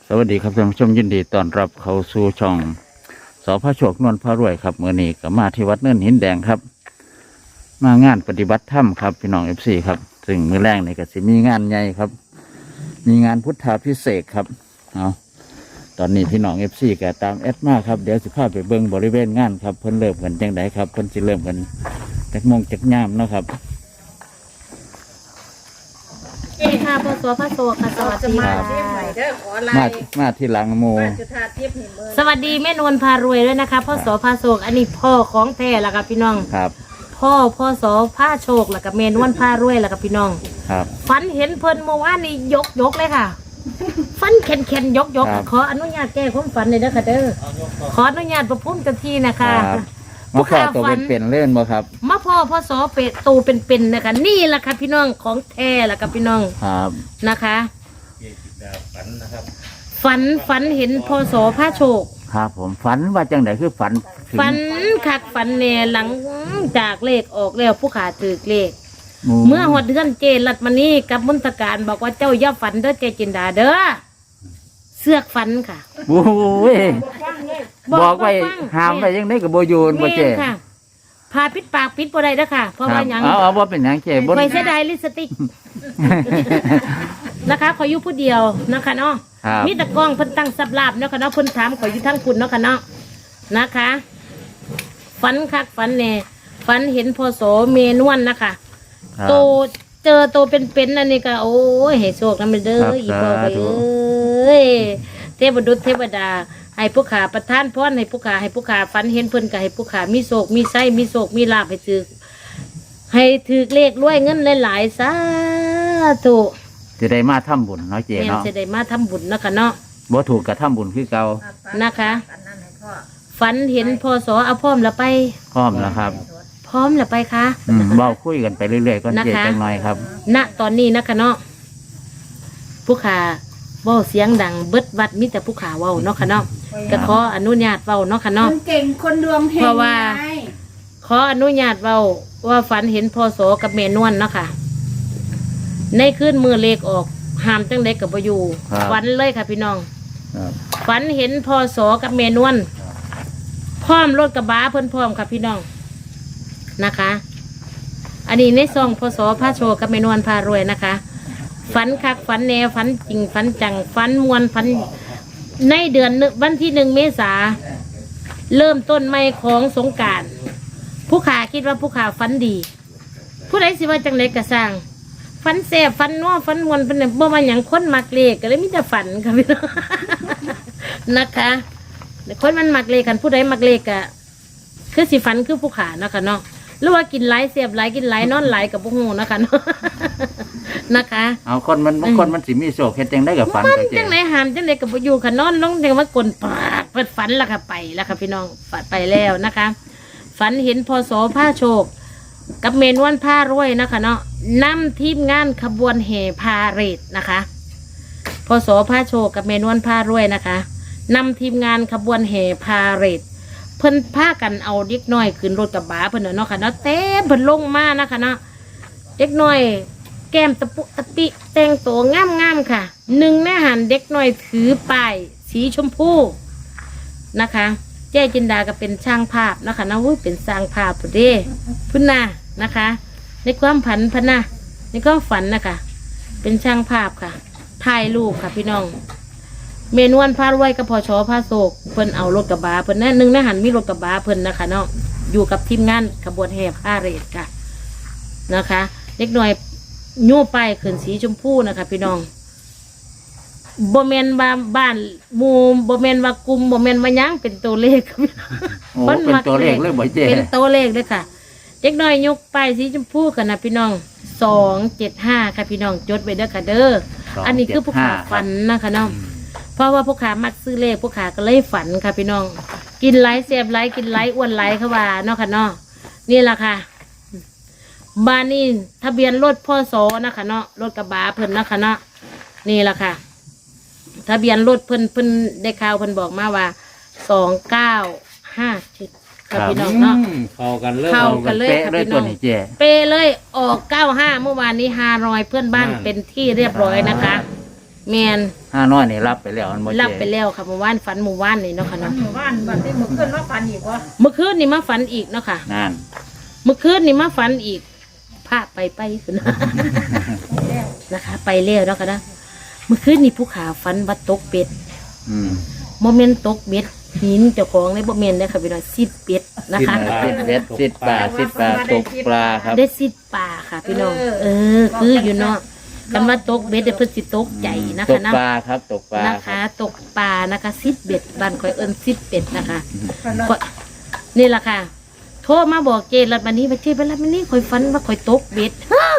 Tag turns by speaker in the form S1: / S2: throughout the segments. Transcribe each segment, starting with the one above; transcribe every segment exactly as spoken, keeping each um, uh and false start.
S1: สวัสดีครับท่านผู้ชมยินดีต้อนรับเข้าสู่ช่องสพโชคนวลพระรวยครับเมื่อนี้ก็มาที่วัดเนินหินแดงครับมางานปฏิบัติธรรมครับพี่น้องเอฟซีครับซึ่งมื้อแรกนี่ก็สิมีงานใหญ่ครับมีงานพุทธาภิเษกครับเอาตอนนี้พี่น้องเอฟซีก็ตามแอดมาครับเดี๋ยวสิพาไปเบิ่งบริเวณงานครับเพิ่นเริ่มกันจังไดครับเพิ่นสิเริ่มกันจักโมงจักยามเนาะครับ
S2: เอ้ค่ะพ่อโสพระโสค่ะสวัสดีค่ะ
S1: มามาที่หลังโม
S2: สวัสดีแม่นวลพารวยด้วยนะคะพ่อโสพระโสอันนี้พ่อของแท้แล้วค่ะพี่น้อง
S1: ครับ
S2: พ่อพ่อโสพระโชคแล้วก็แม่นวลพารวยแล้วก็พี่น้อง
S1: ครับ
S2: ฝันเห็นเพิ่นเมื่อวานนี่ยกยกเลยค่ะฝันเข็นเข็นยกยกขออนุญาตแก้ความฝันเลยนะคะเด้อขออนุญาตประพุ่มเจ้าที่นะคะ
S1: มาพ่อตัวเป็นเป็นเล่นบ่ครับ
S2: มาพ่อพ่อโสเป็ดตูเป็นเป็นนะคะนี่แหละค่ะพี่น้องของแท้แล้วก็พี่น้อง
S1: ครับ
S2: นะคะฝันฝันเห็นพศพระโชค
S1: ครับผมฝันว่าจังไดคือฝัน
S2: ฝันคักฝันแน่หลังจากเลขออกแล้วผู้ขาถือเลขเมื่อหดเดือนเจรัดมานี่กับมุนตการบอกว่าเจ้าอย่าฝันเด้อเจจินดาเด้อเสือกฝันค่ะ
S1: โอ้ยบอกไว้ห้ามไว้ยังไงกับโบยูนบ่เจค่ะ
S2: พาปิดปากปิดบ่ได้เด้อค่ะเพราะว่ายัง
S1: เอาเอาว่าเป็นหยังเจบ่
S2: ไปเสียดายลิปสติกนะคะขออยู่ผู้เดียวนะคะเนาะมีตะกล้องเพิ่นตั้งสับลาบเนาะค่ะเนาะเพิ่นถามขออยู่ทั้งคุณเนาะค่ะเนาะนะคะฝันคักฝันแน่ฝันเห็นพศเมนวนนะคะโตเจอโตเป็นๆนั่นนี่ก็โอ้ยให้โชคนำเด้ออีพ่อไปเอ้ยเทพบุตรเทวดาให้ผู้ขาประทานพรให้ผู้ขาให้ผู้ขาฝันเห็นเพิ่นก็ให้ผู้ขามีโชคมีไส้มีโชคมีลาภให้ถือให้ถือเลขรวยเงินหลายๆสาธุ
S1: จะได้มาทำบุญเนาะเจเนาะ
S2: จะได้มาทำบุญเนาะค่ะเนาะ
S1: บ่ถูกกับทำบุญคือเก่า
S2: นะคะฝันเห็นพศเอาพร้อมละไป
S1: พร้อมแล้วครับ
S2: พร้อมละไปคะ
S1: เบาคุยกันไปเรื่อยๆก็เจจังหน่อยครับ
S2: ณตอนนี้นะคะเนาะผู้ขาเว้าเสียงดังเบิดวัดมิแต่ผู้ขาเว้าเนาะค่ะเนาะก็ขออนุญาตเว้าเนาะค่ะเนาะ
S3: เก่งคนดวงเฮง
S2: เพราะว่าขออนุญาตเว้าว่าฝันเห็นพศกับเมนวนเนาะค่ะในคืนมือเลขออกห้ามจังเล็กกับประยูฝันเลยค่ะพี่น้องฝันเห็นพศกับเมนวนพร้อมรถกระบะเพิ่นพร้อมค่ะพี่น้องนะคะอันนี้ในซองพศพระโชกับเมนวนพารวยนะคะฝันคักฝันแนวฝันจริงฝันจังฝันมวลฝันในเดือนวันที่หนึ่งเมษาเริ่มต้นใหม่ของสงกรานต์ผู้ขาคิดว่าผู้ขาฝันดีผู้ใดสิว่าจังเล็กกระสร้างฝันแสบฝันนัวฝันมวนฝันเนี่ยบ่มาอย่างคนมักเลขก็เลยมิจะฝันค่ะพี่น้องนะคะคนมันมักเลขกันผู้ใดมักเลขอะคือสิฝันคือผู้ขานะคะเนาะหรือว่ากินไหลเสียบไหลกินไหลนอนไหลกับพวกหูนะคะเนาะนะคะ
S1: เอาคนมันบางคนมันสิมีโศกเฮ็ดจังได้กับฝัน
S2: มันจังไหนหามจังไหนกับอยู่ค่ะนอนลงจังว่ากลนปากเปิดฝันแล้วค่ะไปแล้วค่ะพี่น้องฝันไปแล้วนะคะฝันเห็นพศผ้าโชคกับเมนวันผ้ารวยนะคะเนาะนำทีมงานขบวนแห่พาเหรดนะคะพศผ้าโชคกับเมนวันผ้ารวยนะคะนำทีมงานขบวนแห่พาเหรดเพิ่นพากันเอาเด็กน้อยขึ้นรถกระบะเพิ่นเนาะค่ะเนาะเต้เพิ่นลงมานะคะเนาะเด็กน้อยแก้มตะปุตะปิแต่งตัวงามงามค่ะหนึ่งในหันเด็กน้อยถือป้ายสีชมพูนะคะเจ๊จินดาก็เป็นช่างภาพนะคะนะวุ้ยเป็นสร้างภาพพุ่นเด้พุ่นน่ะนะคะในความผันพนะในความฝันนะคะเป็นช่างภาพค่ะถ่ายรูปค่ะพี่น้องเมนวนพารวยกับพอชอพาโศกเพิ่นเอารถกระบะเพิ่นนั่นหนึ่งในหันมีรถกระบะเพิ่นนะคะเนาะอยู่กับทีมงานขบวนแห่ผ้าเหรดค่ะนะคะเด็กน้อยโย่ป้ายขึ้นสีชมพูนะคะพี่น้องโบเมนบ้านบ้านมูโบเมนว่ากลุ่มโบเมนว่ายังเป็นตัวเลข
S1: เป็นตัวเลขเลยบ่เจ๊
S2: เป็นตัวเลขเลยค่ะเด็กน้อยยกป้ายสีชมพูกันนะพี่น้องสองเจ็ดห้าค่ะพี่น้องจดไว้เด้อค่ะเด้ออันนี้คือผู้ขาฝันนะคะน้องเพราะว่าผู้ขามักซื้อเลขผู้ขาก็เลยฝันค่ะพี่น้องกินไหลเสียบไหลกินไหลอ้วนไหลเขาว่าเนาะค่ะเนาะนี่แหละค่ะบ้านนี่ทะเบียนรถพ่อโสนะคะเนาะรถกระบะเพิ่นนะคะเนาะนี่แหละค่ะทะเบียนรถเพิ่นเพิ่นได้ข่าวเพิ่นบอกมาว่าสองเก้าห้าเจ็ดค่ะพี่น้องเนาะ
S4: เข้ากันเลย
S2: เข้ากันเลยค่ะพี่น้องเปเลยออกเก้าห้าเมื่อวานนี้ฮารอยเพื่อนบ้านเป็นที่เรียบร้อยนะคะแมน
S1: ห้าน้อยนี่รับไปแล้วมันบ่เจ
S2: รับไปแล้วค่ะเมื่อวานฝันเมื่อวานนี่เนาะค่ะเนาะ
S3: หมู่บ้านบัดนี้เมื่อคืนว่าฝันอีกวะ
S2: เมื่อคืนนี่มาฝันอีกเนาะค่ะ
S1: นั่น
S2: เมื่อคืนนี่มาฝันอีกพาไปไปคุณนะ นะคะ ไปแล้วเนาะค่ะนะเมื่อคืนนี่ผู้ขาฝันว่าตกเป็ด
S1: อืม
S2: โมเมนตกเบ็ดหินเจ้าของในโมเมนต์นะคะพี่น้องซิดเป็ดนะคะ
S1: สิบเบ็ดสิบปลาสิบปลาตกปลาครับ
S2: ได้ซิดป่าค่ะพี่น้อง เออ คืออยู่เนาะกันว่าตกเบ็ดเดี๋ยวเพิ่นสิตกใจนะ
S1: ต
S2: คะ
S1: ก
S2: นะ
S1: ปลาครับตกปลา
S2: นะ
S1: ครั
S2: คะ
S1: บ
S2: ตกปลานะคะซิดเบ็ดบ้านข่อยเอิ้นซิดเป็ดนะคะก็นี่แหละค่ะ โทรมาบอกเจรัตบันนี้ว่าเจรัตบันนี้ข่อยฝันว่าข่อยตกเบ็ด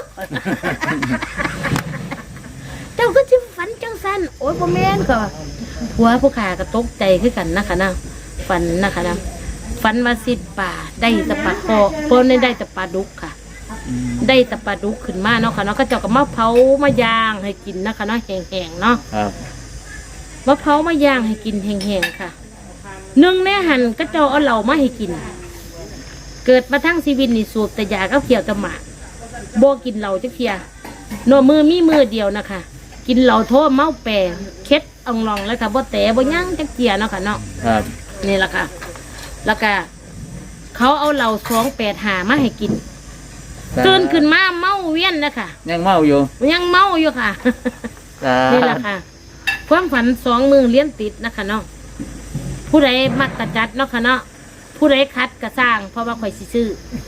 S2: เจ้าก็จิฝันจังสันโอ้ยบ่แม่นก็ผัวผู้ขาก็ตกใจคือกันนะคะนะฝันนะคะนะฝันว่าซิดป่าได้แตะปลาคอเพราะในได้แตะปลาดุกค่ะ ได้แตะปลาดุกขึ้นมาเนาะค่ะเนาะก็เจ้าก็มาเผามาย่างให้กินนะคะเนาะแห้งๆเนาะ
S1: ครับ
S2: มาเผามาย่างให้กินแห้งๆค่ะหนึ่งในหันก็เจ้าเอาเหล่ามาให้กิน เกิดมาทั้งชีวิตนี่สูบแต่ยาก็เขียวแตะหมากบ่กินเหล่าจักเทียโนมือมีมือเดียวนะคะ กินเหล่าโทษเมาแปรเคล็ดอ่องลองแล้วค่ะบ่แต่บ่ยั่งจักเทียเนาะค่ะเนาะ
S1: ครับ
S2: นี่แหละค่ะ แล้วก็เขาเอาเหล่าสองแปดหามาให้กินตื่นขึ้นมาเมาเวียนนะคะ
S1: ยังเมาอยู่
S2: ยังเมาอยู่ค่ะ นี่แหละค่ะ ความฝันสองมือเลี้ยนติดนะคะเนาะผู้ใดมักกระจัดเนาะค่ะเนาะผู้ใดคัดกระสร้าง เพราะว่าข่อยสิซื้อ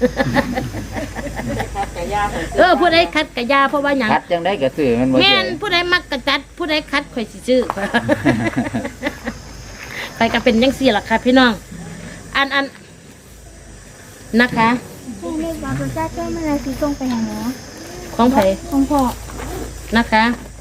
S2: เออผู้ใดคัดกระยาเพราะว่าหยัง
S1: คัดจังได้กระสือมันบ่
S2: แม่
S1: เจ
S2: นผู้ใดมักกระจัด ผู้ใดคัดข่อยสิซื้อ ไปก็เป็นยังสี่ล่ะค่ะพี่น้อง อันอันนะคะ
S4: ให้เรียกว่าพระเจ้าเจ้าเมื่อไรสีส่งไปหาหมอ
S2: ของไผ
S4: ของพ่อ
S2: นะคะ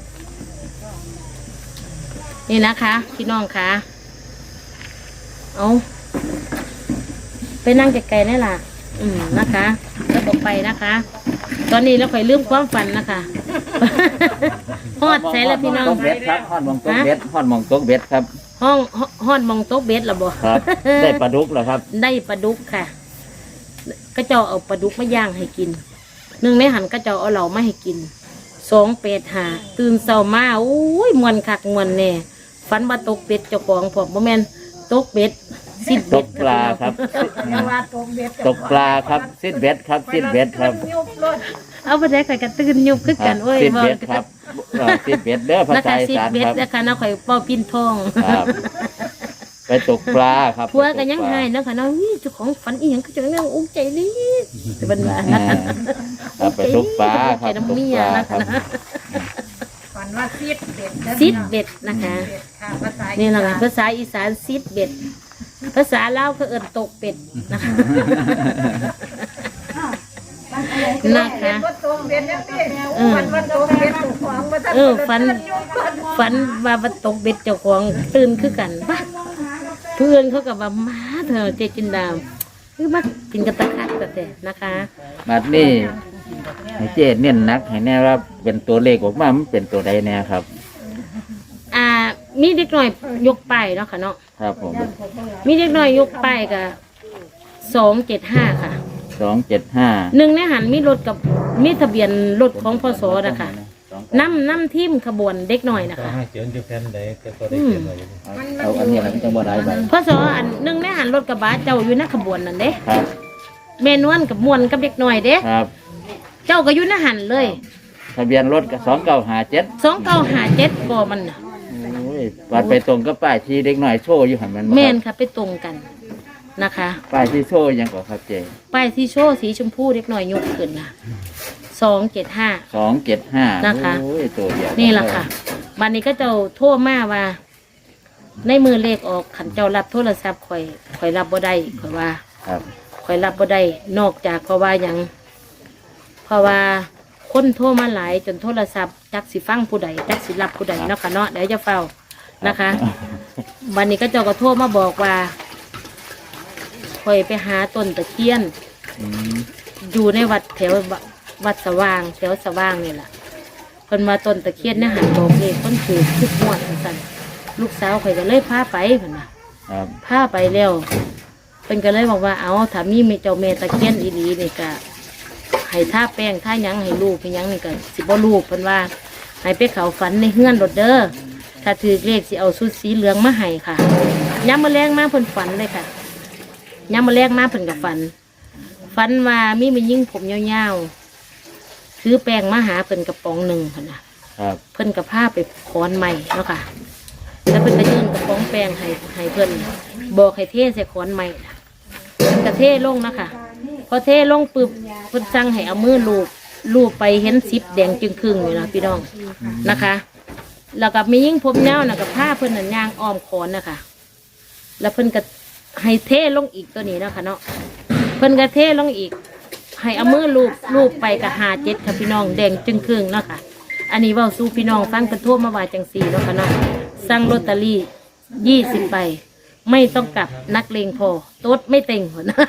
S2: นี่นะคะพี่น้องคะเอาไปนั่งไกลๆนี่ล่ะ อืมนะคะ แล้วบอกไปนะคะ ตอนนี้เราค่อยลืมความฝันนะคะ ฮอดใส่แล้วพี่น้อง
S1: ตกเบ็ดครับฮอดหมองตกเบ็ดฮอดหมองตกเบ็ดครับ
S2: ห้องฮอดมองโต๊ะเบ็ดละบ่
S1: ครับ ได้ปลาดุกแล้วครับ
S2: ได้ปลาดุกค่ะ ก็เจ้าเอาปลาดุกมาย่างให้กินหนึ่งในหันก็เจ้าเอาเหล่ามาให้กินสองเป็ดหาตื่นเช้ามาอุ้ยมวนคักมวนแน่ฝันว่าตกเป็ดเจ้าของผมบ่แม่นตกเป็ดสิบ
S1: ต
S2: เบ็ด
S1: กปลาครับ
S3: แต่ว่าตกเบ็ด
S1: ตกปลาครับสิบเบ็ดครับสิบเบ็ดครับ
S3: ยุบรถ
S2: เอาไปได้ข่อยก็ตื่นยุบขึ้นกันโอ้ย
S1: สิบ
S2: ว่า
S1: เบ็ดครับเอ่อสิบเบ็ดเด้อภา
S2: นะ
S1: ษา
S2: คะ
S1: อี
S2: สิบ
S1: สาน
S2: เบ็ด
S1: ครับ
S2: นะคะน้าข่อยเป้าปิ้นทอง
S1: ครับ ไปตกปลาครับ
S2: พัวก็ยังให้นะคะน้าวิเจ้าของฝันอีหยังก็จะยังอุ้งใจดีแต่บันว่า
S1: อ่าครับไปตกปลาครับ
S2: ใจ
S1: ต
S2: น้ำ
S1: ก
S2: เมี
S1: ป
S2: ย
S1: ลา
S2: นะ
S1: ครั
S2: คะ
S1: บ
S2: นะ
S3: ฝันว่าซีดเบ็ด
S2: ซิดเบ็ดนะคะ
S3: เบ็ดค่ะภาษา
S2: นี่แหละค่ะภาษาอีสานซิดเบ็ด ภาษาลาวก็เอินตกเป็ดนะคะ นะคะ
S3: ว่าตกเบ็ดเนี่ยพี่
S2: เออ
S3: ฝันว่าตกเบ็ดถูกขวางมาทัน
S2: เออฝันฝันว่าว่าตกเบ็ดเจ้าของตื่นคือกันปะเพื่อนเขากับว่ามาเถอะเจจินดาวคือมากินกระตะคักแต่แต่นะคะ
S1: บัดนี้ให้เจ๊เน้นหนักให้แน่ว่าเป็นตัวเลขออกมามันเป็นตัวใดแน่ครับ
S2: อ่า มีเด็กหน่อยยกป้ายเนาะค่ะเนาะ
S1: ครับผม
S2: มีเด็กหน่อยยกป้ายกับสองเจ็ดห้าค่ะ
S1: สองเจ็ดห้า
S2: หนึ่งในหันมีรถกับมีทะเบียนรถของพศนะคะนำนำทีมขบวนเด็กหน่อยนะคะ
S5: ให้เขียนอยู่แผ่นใดก็ก็ได้เขียนไว้อยู่
S1: เอาอันนี้อะไรมันจะบ่ได้ใบ
S2: พศอันหนึ่งในหันรถกระบะเจ้าอยู่ในขบวนนั่นเด้
S1: ครับ
S2: เมนวนกับมวนกับเด็กหน่อยเด้
S1: ครับ
S2: เจ้าก็อยู่ในหันเลย
S1: ทะเบียนรถก็สองเก้าห้าเจ็ด
S2: สองเก้าหาเจ็ดก็มันน่ะ
S1: โอ้ยวัดไปตรงก็ป้ายที่เด็กหน่อยโชว์อยู่หันมันบ่ครับ
S2: แม่นค่ะไปตรงกันนะคะ
S1: ป้ายที่โชว์ยังก่อครับเจ
S2: ป้ายที่โชว์สีชมพูเด็กหน่อยยกขึ้นนะสองเจ็ดห้า
S1: สองเจ็ดห้า
S2: นะคะ
S1: โอ้ยตัวเดียว
S2: นี่แหละค่ะวันนี้ก็เจ้าโทษมาว่า ในมือเลขออกขันเจ้ารับโทรศัพท์ข่อยข่อยรับบ่ได้ข่อยว่า
S1: ครับ
S2: ข่อยรับบ่ได้นอกจากเพราะว่าหยังเพราะว่าคนโทรมาหลายจนโทรศัพท์จักสิฟังผู้ใดจักสิรับผู้ใดเนาะค่ะเนาะเดี๋ยวจะเฝ้านะคะ วันนี้ก็เจ้าก็โทรมาบอกว่าข่อยไปหาต้นตะเคียน
S1: อืม
S2: อยู่ในวัดแถววัดสว่างแถวสว่างนี่แหละเพิ่นมาต้นตะเคียนเนี่ยหันบอกเลขคนถือทุกงวดสั่นลูกสาวข่อยก็เลยพาไปเพิ่นน่ะ
S1: ครับ
S2: พาไปแล้วเพิ่นก็เลยบอกว่าเอาถ้ามีเจ้าแม่ตะเคียนอีหลีนี่ก็ให้ท่าแป้งท่าหยังให้ลูกให้หยังนี่ก็สิบ่ลูกเพิ่นว่าให้ไปเขาฝันในเฮือนรถเด้อถ้าถือเลขสิเอาชุดสีเหลืองมาให้ค่ะย้ำมาแรงมาเพิ่นฝันเลยค่ะย้ำมาแรงมาเพิ่นกับฝันฝันว่ามีมันยิ่งผมยาวๆถือแป้งมาหาเพิ่นกระป๋องหนึ่งค่ะนะครับ เพิ่นกับผ้าไปค้อนใหม่เนาะค่ะแล้วเพิ่นก็ยื่นกระป๋องแป้งให้ให้เพิ่นบอกให้เทใส่ค้อนใหม่นะเพิ่นก็เทลงนะคะพอเทลงปึ๊บเพิ่นสั่งให้เอามือลูบลูบไปเห็นซิปแดงจึงครึ่งอยู่นะพี่น้องนะคะ แล้วก็มียิ่งผมยาวนะกับผ้าเพิ่นนั่นยางอ้อมค้อนนะคะแล้วเพิ่นก็ให้เทลงอีกตัวนี้นะคะเนาะเพิ่นก็เทลงอีกให้เอามือลูบลูบไปกับหาเจ็ดค่ะพี่น้องแดงจึงครึ่งเนาะค่ะอันนี้เว่าสู้พี่น้องฟังกระทั่วมาว่าจังสี่เนาะค่ะเนาะสั่งลอตเตอรี่ยี่สิบใบไม่ต้องกลับนักเลงพอโต๊ดไม่เต็งหัวนะ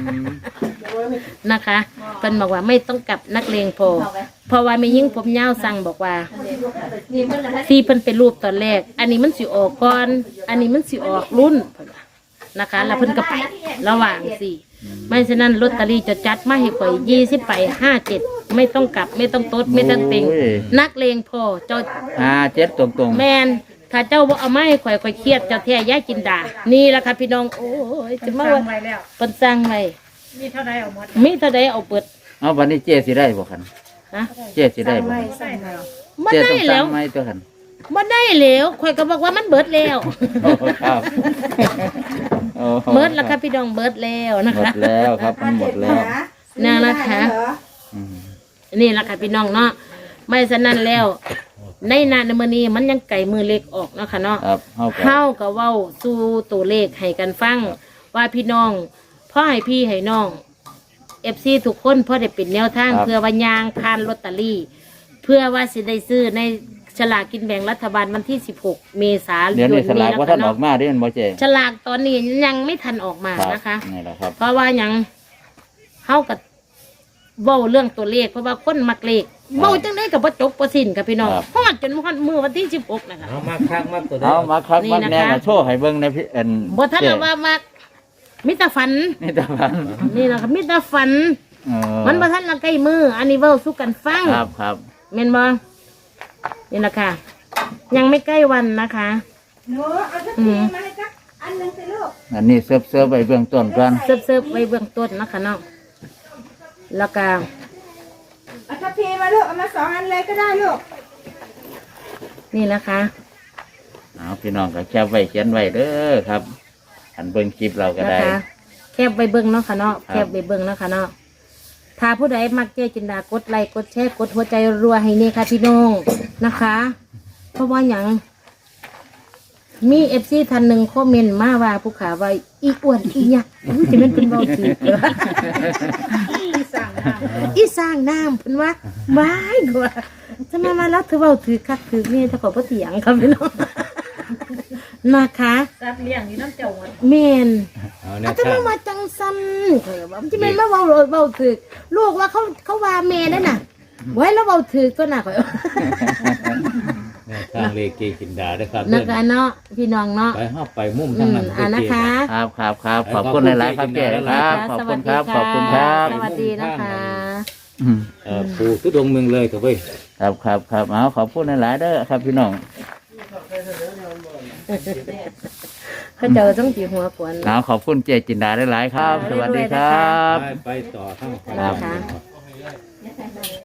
S2: นะคะเพิ่นบอกว่าไม่ต้องกลับนักเลงพอเพราะว่าไม่ยิ่งผมยาวสั่งบอกว่าที่เพิ่นเป็นรูปตอนแรกอันนี้มันสิออกก่อนอันนี้มันสิออกรุ่นเพิ่นว่านะคะแล้วเพิ่นก็ไประหว่างสี่ไม่ฉะนั้นลอตเตอรี่จะจัดมาให้ข่อยยี่สิบใบห้าเจ็ดไม่ต้องกลับไม่ต้องโต๊ดไม่ต้องเต็งนักเลงพอเจ้า
S1: ห้าเจ็ดตรงตรง
S2: แมนถ้าเจ้าบ่เอาไมาให้ข่อยข่อยเครียดเจ้าแท้ย่าจินดานี่แหละค่ะพี่น้องโอ้ยจะมา
S3: สั่
S2: ว่าง
S3: ไว้แล้ว
S2: เพิ่นสั่งไว้
S3: มีเท่าใดเอาหมด
S2: มีเท่าใดเอาเปิด
S1: เอาวันนี้เจ๊สิได้บ่คัน
S2: ฮะ
S1: เจ๊สิได้บ่
S3: ใส่แล้ว
S2: บ่
S1: เจ๊
S2: ได้
S1: ต้อง
S2: แล้
S1: สั่
S2: ว
S1: งไหมตัวคัน
S2: บ่ได้แล้วข่อยก็บอกว่ามันเบิดแล้ว
S1: โอ้ครับโอ้โห
S2: เบิดแล้วค่ะพี่น้องเบิดแล้วนะ
S1: หม
S2: คะ
S1: ดแล้วครับมันหมดแล้ว
S2: นั่นนะคะ
S1: อืม
S2: นี่แหละค่ะพี่น้องเนาะไม่ฉะนั้นแล้ว ในนาในมื้อนี้มันยังไก่มือเล็กออกเนาะค่ะเนาะ
S1: ครับเฮาก็
S2: เฮาก็เว้าสู่ตัวเลขให้กันฟัง ว่าพี่น้องพ่อให้พี่ให้น้องเอฟซีทุกคนพ่อได้เป็นแนวทางเพื่อว่ายางพานลอตเตอรี่ เพื่อว่าสิได้ซื้อในฉลากกินแบ่งรัฐบาลวันที่สิบหกเมษายน
S1: เดี๋ยวนี้สลากว่าท่านอ
S2: เนาะ
S1: อกมาเด้มันบ่เจ๊
S2: ฉลากตอนนี้ยังไม่ทันออกมา
S1: ครับ
S2: นะคะ
S1: นี่แหละครับ
S2: เพราะว่ายังเฮากับเว้าเรื่องตัวเลขเพราะว่าคนมักเลขเว้าจังได๋ก็บ่จบบ่สิ้นค่ะพี่น้อง
S1: ครับ
S2: ฮอดจนฮอดมื้อวันที่สิบหกนะคะ
S5: เอามาคักมาตัวเดี
S1: เอา
S5: ยว
S1: มาครับ
S2: นี่
S1: มา
S2: นะคะ
S1: แน่มาโชว์ให้เบิ่งในพี่เอ็น
S2: บ่ทัน
S1: เจ๊
S2: ละว่ามักมิตรฝัน
S1: นี่ตาพัน
S2: นี่นะคะมิตรฝัน
S1: เออ
S2: มันบ่ทันละใกล้มืออันนี้เว้าสู่กันฟัง
S1: ครับครับ
S2: แม่นบ่นี่นะคะยังไม่ใกล้วันนะคะ
S3: หนูเอาสักทีมาให้สักอันหนึงสิลูก
S1: อันนี้เสิร์ฟเสิร์ฟไปเบื้องต้นก่อน
S2: เซิร์ฟๆไว้เบื้องต้นนะคะเนาะแล้วก็
S3: เอาสักทีมาลูกเอามาสองอันเลยก็ได้ลูก
S2: นี่นะคะ
S1: เอาพี่น้องก็แคปไว้เขียนไว้เด้อครับ อันเบิ่งคลิปเราก็
S2: นะ
S1: ได้
S2: คะแคบไปเบิ้งเนาะค่ะเนาะ
S1: ครับ
S2: แคบไปเบิ้งเนาะค่ะเนาะถ้าผู้ใดมักเจ๊จินดากดไลค์กดแชร์กดหัวใจรัวให้นี่ค่ะพี่น้องนะคะ เพราะว่าอย่างมีเอฟซีท่านหนึ่งคอมเมนต์มาว่าผู้ขาว่าอีอ้วนอีหยักอุ๊ยจะเป็นเป็นเบาถือเหรอ
S3: ที่สั่งน้ำ
S2: อีสร้างน้ำเพิ่นว่าว้ายกว่าจะมามาแล้วเธอเบาถือคักถือนี่ถ้าขอพ่เถียงครับพี่น้องนะคะ
S3: สัตว์เลี้ยงอยู่น้ำเจ้าหมด
S2: เมน
S5: เอาแน
S2: อาว จจะ
S5: ทาง
S2: มามาจังซันเขาเลยว่าจะเป็นมาเบาเบาถือลูกว่าเขาเขาว่าเมนนั่นน่ะไว้แล้วเบาถือก็น่ะข่อย
S5: แนวทางเลขเกจินดาด้วยครับ
S2: นั
S5: เด้
S2: ก
S5: อ
S2: การเนาะพี่น้องเนาะ
S5: ไปห้าไปมุม
S2: อื
S5: ทาง
S2: ม
S5: นั้น
S2: อ่านะคะ
S1: ครับครับครับขอบคุณหลายๆครับเจ๊ครับ ขอบคุณครับ ขอบคุณครับ
S2: สวัสดีนะคะ
S1: อืม
S5: เอ่อปู่ทุดงค์เมืองเลยครับเว้ย
S1: ครับครับครับเอาขอบคุณหลายๆเด้อครับพี่น้อง
S2: เขาเจอต้องจีหัวกวน
S1: เอาขอบคุณเจจินดาหลายๆครับ สวัสดีครับ
S5: ไปไปต่อข้างไป
S2: นะคะ